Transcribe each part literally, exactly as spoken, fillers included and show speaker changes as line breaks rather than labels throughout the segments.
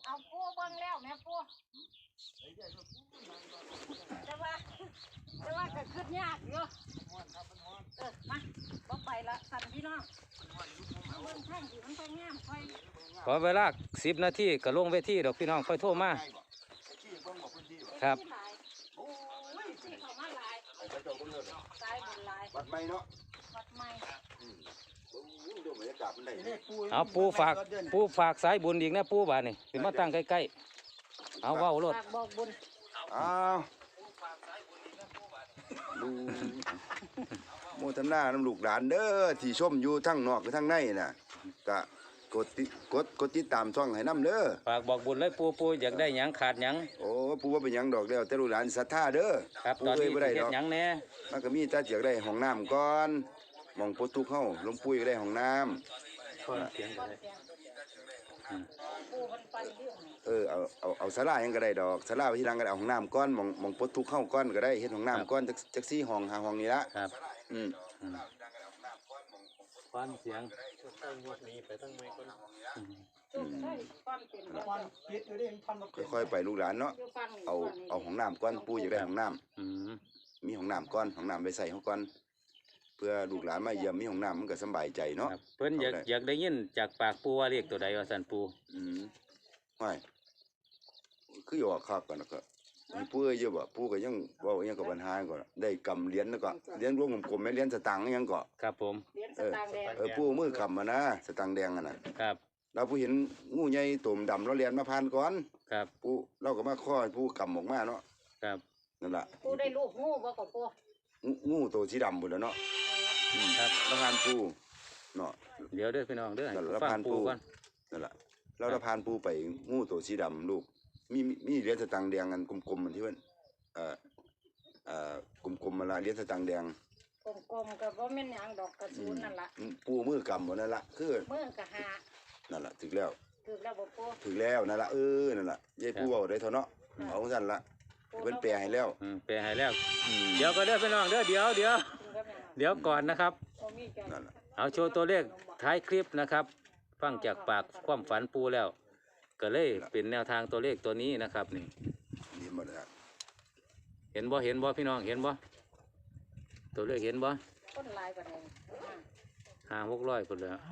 เอาปูเบิ่งแล้วแม่ปูแต่ว่าแต่ว่าก็ขึ้นยากอยู่เออมาบ่ไปละสั่นพี่น้องเบิ่งแท่งสิมันไปงามค่อย
ขอเวลาสิบนาทีก็ลงเวทีดอกพี่น้องค่อยโทรมาครับ
ที่เขามาหลายสายบุญหลาย
วัดไม่เนาะ
วัดใหม่
ดูบรรยากาศมันได้
เอาปูฝากปูฝากสายบุญอีกนะปูบานี่ถึงมาตั้งใกล้ๆเอาว่าวรถ
ฝากบอกบุญ
อ้าวดูโมทนาน้ำลูกหลานเด้อที่ชมอยู่ทั้งนอกกับทั้งในน่ะก็กดติกดกดติดตามช่องให้น้ำเด้อ
ฝากบอกบุญเลยปูปูอยากได้หยังขาดหยัง
โอ้ปูว่าเป็นหยังดอกเดียวแต่ลูกหลานศรัทธาเด้อ
ครับ
ปู
ตอน
เคย
นี้
บ่ได้
เฮ็
ด
ด
อก
หยังแน่
มันก็มีแต่อยากได้ห้องน้ำก่อนมองโพทุกเข้าหลวงปู่อยากได้ห้องน้ำ
คนเสียง
ก้อนเสียงปูมันปันเรื่องนี่
เออเอาเอาเอาศาลาหยังก็ได้ดอกศาลาไปที่หลังก็ได้เอาห้องน้ำก้อนมองมองโพทุกเข้าก้อนก็ได้เฮ็ดห้องน้ำก้อนจักจักซี่ห้องหาห้องนี่ละ
ครับ
อืม
ฟันเสียง
จุดใช่ก้อนเป็นก้อน
ปิดอยู่ดิพันมา
ค่อยๆไปลูกหลานเนาะ
อยู่ฟังนี่
เอา
ก้อนนี่
เอาห้องน้ำก้อนปู่อยากได้ห้องน้ำ
อืม
มีห้องน้ำก้อนห้องน้ำไปใส่เขาก้อนเพื่อลูกหลานมาเยี่ยมมีห้องน้ำมันก็สบายใจเนาะ
ครับเพิ่นอยากอยากได้ยินจากปากปูว่าเรียกตัวใดว่าสันปู
อืมไม่คืออยู่ว่าคักกันแล้วก็มีปู่เอ้ยอยู่บ่ปู่ก็ยังเว้าอิหยังกับปัญหาก่อนได้กำเหรียญแล้วก็เหรียญรวมกลมๆแม่เหรียญสตางค์อิหยังก็
ครับผม
เหรียญสตางค์แดง
เออปู่มือกำมานะสตางค์แดงอ่ะน่ะ
ครับ
เราผู้เห็นงูใหญ่ตุ่มดำเราเรียนมาผ่านก่อน
ครับ
ปู่เราก็มาข้อให้ปู่กำออกมาเนาะ
ครับ
นั่นล่ะ
ปูได้ลูกงูบ่กับปู
งูงูตัวสีดำพุ่นแหล้วเนาะอืม
ครับ
เราผ่านปู่เนาะ
เดี๋ยวเด้อพี่น้องเด้อ
นั่นแหละ
ฟั
ผ่าง น
ปู
ปู
ก่อน
นั่นแหละเราเราผ่านปูไปงูตัวสีดำลูกมีมีมีเหรียญสตางค์แดงกันกลมๆมันที่เพิ่นเอ่อเอ่อกลมๆมาละเหรียญสตางค์แดง
กลมๆกับว่าแม่นหยังดอกกระสุนนั่นล่ะ
อืมปูมือกำหมดนั่นละคือ
มือกะหา
นั่นละถึงแล้ว
คือแล้วบ่ปู
ถึงแล้วนั่นละเออนั่นละยายปูเอาได้เท่าเนาะเอาของสั่นละเพิ่นแปลให้แล้ว
อืมไปให้แล้ว
อืม
เดี๋ยวก็เด้อพี่น้องเด้อเดี๋ยวเดี๋ยว
ถึงกับแม่น
เดี๋ยวก่อนนะครับ
บ่มีใจ
นั่นละ
เอาโชว์ตัวเลขท้ายคลิปนะครับ ฟังจากปากความฝันปูแล้ว ก็เลยเป็นแนวทางตัวเลขตัวนี้นะครับนี่
นี่หมดแล้ว
เห็นบ่เห็นบ่พี่น้องเห็นบ่ตัวเลขเห็นบ่
คนหลายกว่านี้
ห้าหกร้อยคนแล้ว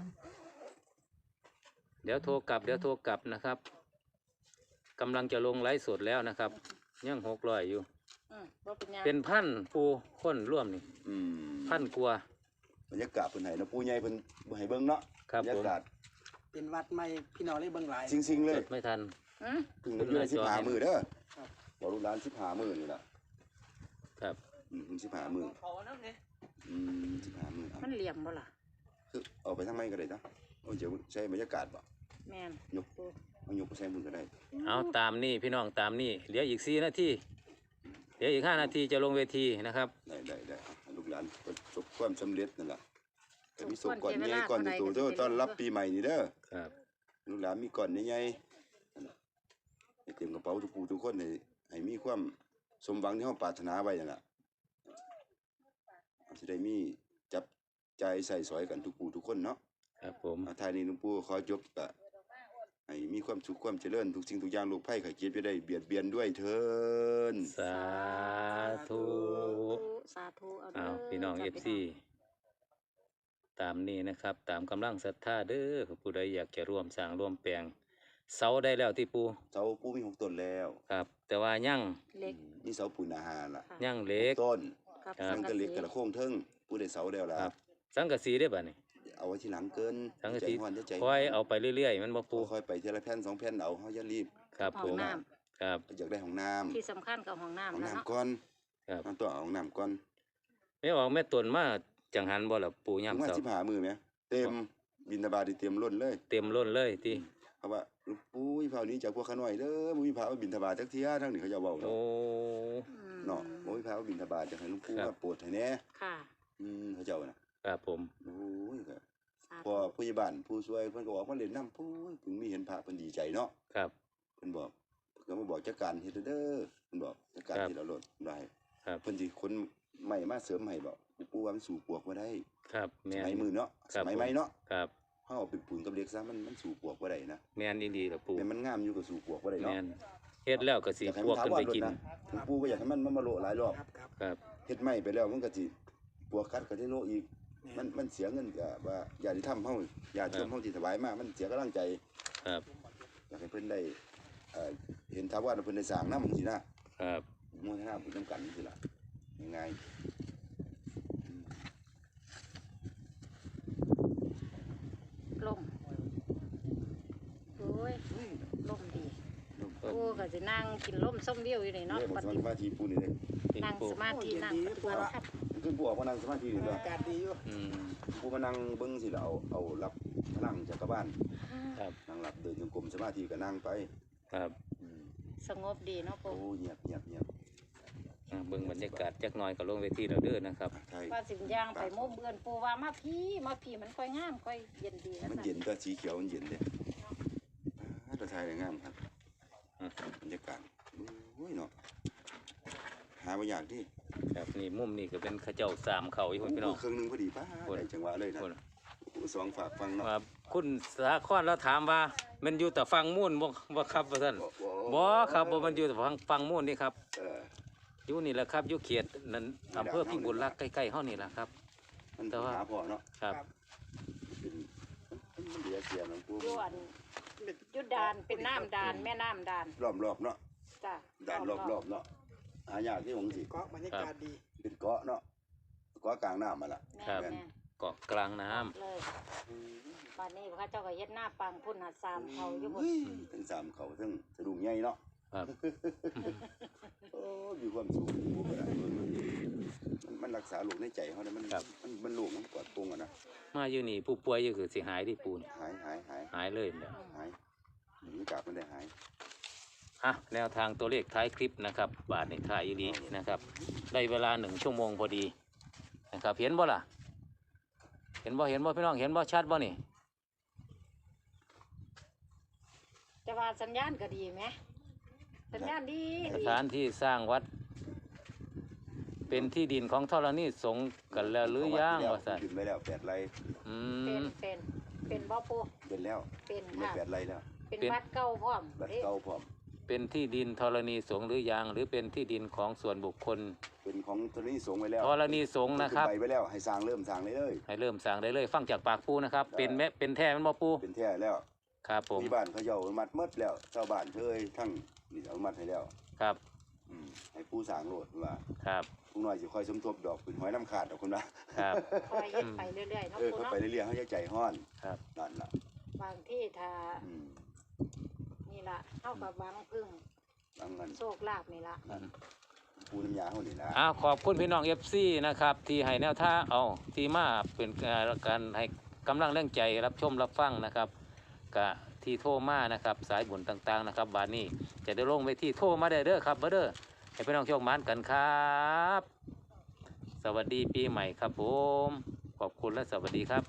เดี๋ยวโทรกลับเดี๋ยวโทรกลับนะครับกำลังจะลงไลฟ์สดแล้วนะครับยังหกร้อยอยู่
อืมบ่เป็นหยัง
เป็นพันปูคนร่วมนี่
อืม
พันกว่า
บรรยากาศเพิ่นให้เนาะปูใหญ่เพิ่นบ่ให้เบิ่งเนาะ
ครับ
บรรยากาศ
เป็นวัดใหม่พี่น้องเลยเบิ่งหลาย
จริงๆเล
จ
ย
ดไม่ทัน
อืม
ถึงอยู่ในสิบห้ามื้อเด้อบอกลูกหลานสิบห้ามื้อนี่ล่ะ
ครับ
อืมสิบห้ามื้อ
ขอน้ำเนี่ย
อืมสิบห้ามื้อเอา
มันเหลี่ยมบ่ล่ะ
คือเอาไปทางไหนก็ได้จ้ะโอ้เดี๋ยวใช้บรรยากาศบ่
แม่น
ยกเอายกไปใช้มือก็ได้
เอาตามนี่พี่น้องตามนี่เหลืออีกสี่นาทีเหลืออีกห้านาทีจะลงเวทีนะครับ
ได้ได้ได้เอาลูกหลานประสบความสำเร็จนั่นแหละแต่มีศพก่อนใหญ่ก่อนโตๆเด้อต้อนรับปีใหม่นี่เด้อ
ครับ
ลูกหลานมีก่อนใหญ่ๆนั่นน่ะให้เตรียมกระเป๋าทุกผู้ทุกคนให้ให้มีความสมหวังที่เฮาปรารถนาไว้นั่นล่ะสิได้มีจับใจายใส่สอยกันทุกผู้ทุกคนเนาะ
ครับผม
อาทายนี้หลวงปู่ขอจบก็ให้มีความสุขความเจริญทุกสิ่งทุกอย่างโรคภัยไข้เจ็บจะได้เบียดเบียนด้วยเถิน
สาธุ
สาธุเอา
เอา
เด้อ
พี่น้องเอฟซีตามนี้นะครับ ตามกำลังศรัทธาเด้อผู้ใดอยากจะร่วมสร้างร่วมแปลงเสาได้แล้วที่ปู
เสาปูมีหกต้นแล้ว
ครับ แต่ว่ายั่ง
เล็ก
นี่เสาปูนอาหารล่ะ
ค่ะ
ยั่งเหล็ก
ต้น
กับ
ครับ
นั่นก็เหล็กกระโค้งเทิงปูได้เสาแล้วล่ะ
ครับ สังกะสีได้ป่ะนี่
เอาไว้ที่หลังเกิน
สังกะ
ใจ
สี
ฮ้อนจะใจ
คอยเอาไปเรื่อยๆ มันบ่ปู
ค่อยๆไปทีละแผ่นสองแผ่นเอาเฮาอย่ารีบ
ครับ
ห้
ผ
อง
ม
น้
ครับ
อยากได้ห้องน้ำ
ำที่สำคัญกับห้องน้ำ
ห้อง
นะเนาะ
น้ำก่อน
ครับ
มันต้องเอาห้องน้ำก่อน
ไม่ออกแม่ตนมาจังหันบ่ล่ะปู
ถึ
ย่ำ
งว่า
เสา
สิบห้ามื้อแหมเต็มบิณฑบาตนี่เต็มล้นเลย
เต็มล้นเลยที่
เพราะว่าหลวงปู่วิภาวนี้จากพวกขาน้อยเด้อบ่มีพระมาบิณฑบาตจักเที่ยทั้งนี้เขาจะเว้า
โอ้
เนาะ เนาะบ่มีพระมาบิณฑบาตจักให้หลวงปู่
ครับ
มาโปรดให้แหน่
ค่ะ
อืมเขาเจ้าน่ะ
ครับผม
โอ้ยก็
สา
พอ
ธุ
ผู้ใหญ่บ้านผู้ช่วยเพิ่นก็ออกมาเล่นน้ำปุ้ยเพิ่งมีเห็นพระเพิ่นดีใจเนาะ
ครับ
เพิ่นบอกเพิ่นก็มาบอกจัดการเฮ็ดเด้อเพิ่นบอกจัดการ
ครับ
เฮ็ดเอาโลดได้
ครับ
เพิ่นสิคนใหม่มาเสริมให้บอกปู่ว่ามันสู่ปวกบ่ได้
ครับ
ส
แม่น
มัยมือเนาะ
ครั
ส
บ
มัยใหม่เนาะ
ครับ
เฮาเอาเป็นปูนกับเหล็กซะมันมันสู่ปลวกบ่ได้นะ
แม่นอีหลีล่ะปู
แต่มันงามอยู่ก็สู่ปลวกบ่ได้เนาะ
แม่นเฮ็ดแล้วก็สิ
อยากให้
พ
มั
วน ก
ถา
ขึ้น
ว
ไป
ร
กิน
นะถึงปู่ก็อยากให้มันมันมาโละหลายรอบ
ครับครับ
ครับ
เฮ็ดไม้ไปแล้วมันก็สิปลวกกัดก็สิโละอีกมันมันเสียเงินก็ว่าญาติธรรมเฮาญาติโยมเฮาที่ถวายมามันเสียกำลังใจ
ครับ
อยากให้เพิ่นได้เอ่อเห็นทาวาสเพิ่นได้สร้างนำจังซี่นะครับ โมทนาบุญนํกันจังซี่ล่ะง่ายๆอืม
ลมโอ้ยลมดี
ลม
ปูก็สินั่งกินลมส้มวิวอยู่นี่เนาะ
เด้
ป
บ่ส
ฏิ
มาธิปู่นี่เด้
นี่
นั่ง
ปู
สมาธินั่งปฏิบัติธรรม
คือปู่ออกมานั่งสมาธินี่ตัว
อากาศดีอยู่
อืม
ปู่มานั่งเบิ่งสิล่ะเอาเอารับพลังจากกบ้าน
ครับ
นั่งรับเดินจงกรมสมาธิก็นั่งไป
ครับ
อืม
สงบดีเนาะ
โอ้
ปู
เงียบเงียบเงียบ
อ่าเบิ่งบรรยากาศจักหน่อยก็ลงเวทีแล้วเด้อนะครับ
ใช่
ว่าสิบย่างไปมุมเบือนปูว่ามาพี่มาพี่มันค่อยงามค่อยเย็นดีนะ
มันเย็นก็สีเขียวมันเย็นเด้อ่าตัวไทยได้งามครับ
อ่ะ
บรรยากาศโอ้ยเนาะหาบ่ยากที่
ครับนี่มุมนี้ก็เป็นเขาเจ้าสามเขาอยู่พี่น้อง
เครื่องหนึงพอดีป้า
โอ้ย
ได้จังหวะเลยนะ
โอ้ย
โอ้สองฝากฟังเนาะ
ว่าคุณสาครแล้วถามว่ามันอยู่แต่ฟังมุ่นบ่บ่ครับว่าซั่น
บ่
บ่ครับบ่มันอยู่แต่ฟังฟังมุ่นนี่ครับ
เออ
อยู่นี่แหละครับอยู่เขตนั้นอำเภอพิบูลรักษ์ใกล้ๆเฮานี่แหละครับ
มัน
แต่ว่า
หาพอเนาะ
ครับ
เป็นมันมันเดียเสียน้องปู
อยู่อันยุดดานเป็นน้ำดานแม่น้ำดาน
รอบๆเนาะ
จ้ะ
ด่านรอบๆเนาะหายากที่ของสิ
เกาะบรรยากาศดี
เป็นเกาะเนาะเกาะกลางน้ำมาละ
แม่
ครับ
แม่
เกาะกลางน้ำ
เลยบ้านนี้พระเจ้าก็เฮ็ดหน้าปังพุ่นหาสามเขาอยู่หมด
เฮ้ยทั้งสามเขาทั้งสะดุ้งใหญ่เนาะ
ครับ
โอ้มีความสุขอยู่บ่ได้มันมันรักษาโรคในใจเขาเนี่ยมันมันมันโรคมันปลอดโปร่งอะนะ
มาอยู่นี่ผู้ป่วยอยู่คือสิหายที่ปูน
หายหายหาย
หายเลยเนี่ย
หายหนีจากมันได้หาย
อ่ะแนวทางตัวเลขท้ายคลิปนะครับบาทในท้ายอีหลีนะครับได้เวลาหนึ่งชั่วโมงพอดีนะครับเห็นบ่ล่ะ เห็นบ่เห็นบ่พี่น้องเห็นบ่ชัดบ่นี่
แต่ว่าสัญญาณก็ดีไหมสัญญาณดี
ส
ดี
ถานที่สร้างวัด เป็นที่ดินของธรณีสงฆ์กันแล้วหรือยังว่าซั่น
ขึ้นไปแล้วแปดไร่
อื
เป็น
ม
เป็นเป็นบ่ปู
เป็นแล้ว
เป็น
ไม่
ค่ะ
แปดไร่แล้ว
เป็น
เป็น
วัดเก่าพร้อม
บัด
เด้
เก่าพร้อม
เป็นที่ดินธรณีสงฆ์หรือยังหรือเป็นที่ดินของส่วนบุคคล
เป็นของธรณีสงฆ์ไว้แล้ว
ธรณีสงฆ์นะครับ
ขึ้ไปไว้แล้วให้สร้างเริ่มสร้างเลยเลย
ให้เริ่มสร้างได้เลย ฟังจากปากปูนะครับ เป็นแม่เป็นแท้แมันบ่ปู
เป็นแท้แล้ว
ครับผม
มีบ้านเขาเจ้าอนุมัดหมดแล้วชาวบ้านเคยทั้งนี่อนุมัดให้แล้ว
ครับ
อืมให้ผู้สร้างโลดว่า
ครับ
ผู้น้อยสิคอยสมทบดอกเป็นหอยน้ำขาดดอกคุณว่า
ครับ
คอยเฮ็ดไปเรื่อยๆเนาะ
เออ
ปู
เขา
เนาะ
ไปเรื่อยๆเขาจะใจห้อน
ครับ
นั่นล่ะ
บางที่ถ้า
อืม
นี่ล่ะเท่ากับหวังพึ่ง
บางเงิน
โชคลาภนี่ล่ะ
ปูน้ำยาเขานี่นะ
อ้าวขอบคุณพี่น้องเอฟซีนะครับ ที่ให้แนวท่างเอาที่มาเป็นการให้กำลังแรงใจรับชมรับฟังนะครับกะที่โทรมานะครับ สายบุญต่างๆนะครับบานนี้จะได้ลงไปที่โทรมาได้เด้อครับเบอร์เด้อให้พี่น้องโชคหมานกันครับ สวัสดีปีใหม่ครับผมขอบคุณและสวัสดีครับ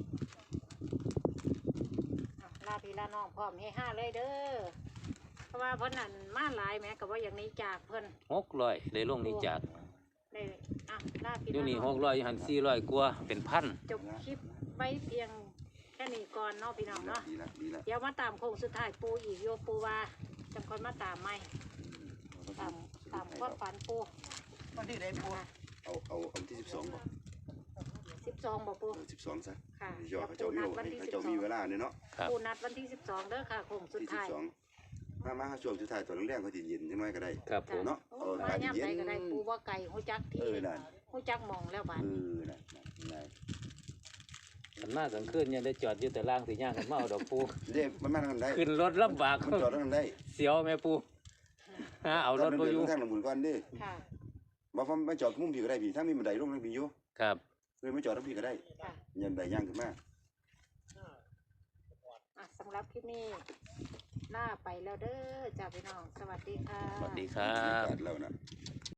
อ่ะลาพี่ลาน้องพร้อมเฮห้าเลยเด้อเพราะว่าเพิ่นนั่นมาหลายแหม้ก็ว่าอย่างนี้จากเพิ่น
หกร้อยได้ลงนี้จาก
ได้อ่ะลาพี่
อยู่
ลา
นี่
น้
ห
อง
กร้อยอยู่หันสี่ร้อยกว่าเป็นพัน
จบคลิปไว้เพียงแค่นี้ก่อนเนาะพี่น้อง
ดีละ
เนาะ
ดีละดีละ
เดี๋ยวมาตามโค้งสุดท้ายปูอีกโยปูว่าจังคนมาตามไหมตามตามความฝันปู
วันที่ไหนปู
เอาเอาเอาที่สิบสองบ่
สิบสองบอกปู
สิบสองซะ
ค่ะ
เดี๋ยวเขาเจ้ามีเขาเจ้ามีเวลาเนี่ยเนาะ
ครับ
ปูนัดวันที่สิบสองเด้อค่ะโค้งสุด
ที่สิบ
ท้าย
สองมามาช่วงสุดท้ายตอนแรกๆเขาจะเย็นจังน้อยก็ได้
ครับผม
เนาะ
โอ้
เอา
มา
การ
ย่ำ
เย็
ใด
น
ก็ได้ปูว่าไก่หูจัก
เอ
ที่
อนั่น
หูจักหมองแล้วบาด
เออนั่นนั่น
ขันมากกลางคืนเนี่ยได้จอดอยู่แต่ล่างสีย่างกันมาเอาดอกปู
เด็กมันมาทางได้
ขึ้นรถลำบาก
มันจอดทางได้
เสียวแม่ปูฮะเอารถ
ไป
มาอยู่
ทางลำบุญก่อนดิ
ค่ะ
บ่ฟ้ามาจอดมุมพี่ก็ได้พี่ถ้ามีบันไดลงทางพี่อยู่
ครับ
เลยมาจอดทางพี่ก็ได้
ค่ะ
ยันไดย่างขึ้นมา
อ่ะสำหรับคลิปนี้ล่าไปแล้วเด้อจ้าพี่น้องสวัสดีค่ะ
สวัสดีครับ
บรรยากาศแล้วนะ